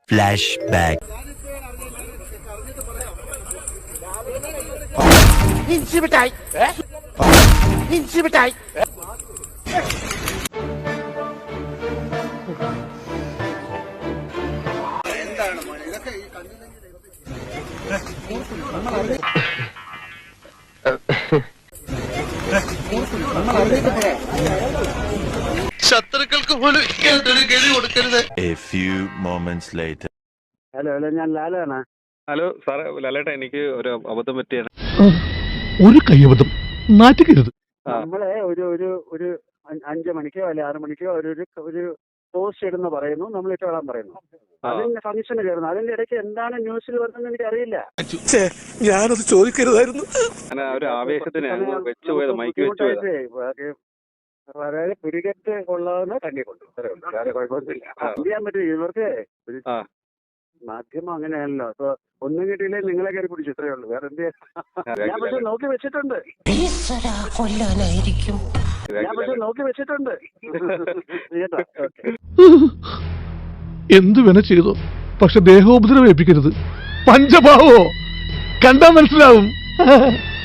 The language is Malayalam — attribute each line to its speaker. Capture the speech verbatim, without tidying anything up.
Speaker 1: Flashback.
Speaker 2: ഇൻസിമിറ്റായി ഇൻസിമിറ്റായി എന്താണ് മോനെ ഇതൊക്കെ ഈ
Speaker 3: ശത്രുക്കൾക്ക് പോലും ഇങ്ങനൊരു ഗതി കൊടുക്കരുത്.
Speaker 1: A few moments later.
Speaker 2: Hello hello ഞാൻ ലാലാണ്.
Speaker 4: ഹലോ സാറേ, ലാലേട്ടാ, എനിക്ക് ഒരു അബദ്ധം പറ്റിയാണ്.
Speaker 5: ഒരു കയ്യബദ്ധം നാറ്റുകരുത്.
Speaker 2: നമ്മളെ ഒരു ഒരു ഒരു അഞ്ചു മണിക്കോ അല്ലെ ആറു മണിക്കോ ഒരു ഒരു പോസ്റ്റ് ഇടുന്ന പറയുന്നു, നമ്മൾ ഇട്ടോളാൻ പറയുന്നു. അതിന്റെ ഫംഗ്ഷന് കയറുന്നു. അതിന്റെ ഇടയ്ക്ക് എന്താണ് ന്യൂസിൽ വരുന്നത് എനിക്ക് അറിയില്ല.
Speaker 5: ഞാനത് ചോദിക്കരുതായിരുന്നു.
Speaker 4: ഒരു ആവേശത്തിന് വെച്ചു പോയത്, മൈക്ക് വെച്ചു പോയത്.
Speaker 2: വളരെ പിടികെട്ട് കൊള്ളാവുന്ന കണ്ടിക്കൊണ്ട് വേറെ കുഴപ്പമൊന്നുമില്ല. എന്ത് ചെയ്യാൻ പറ്റും ഇവർക്ക്? മാധ്യമം അങ്ങനെയാണല്ലോ. അപ്പൊ ഒന്നും കിട്ടിയില്ലേ നിങ്ങളെ കയറി പിടിച്ചു, ഇത്രയേ ഉള്ളൂ. വേറെ എന്ത് ചെയ്യാൻ? ഞാൻ പക്ഷെ നോക്കി വെച്ചിട്ടുണ്ട്
Speaker 6: കൊല്ലാനായിരിക്കും
Speaker 2: ഞാൻ പക്ഷെ നോക്കി വെച്ചിട്ടുണ്ട് കേട്ടോ.
Speaker 5: എന്തു വേണ ചെയ്തോ, പക്ഷെ ദേഹോപദ്രവം ഏൽപ്പിക്കരുത്. പഞ്ചഭാവോ കണ്ടാ മനസ്സിലാവും.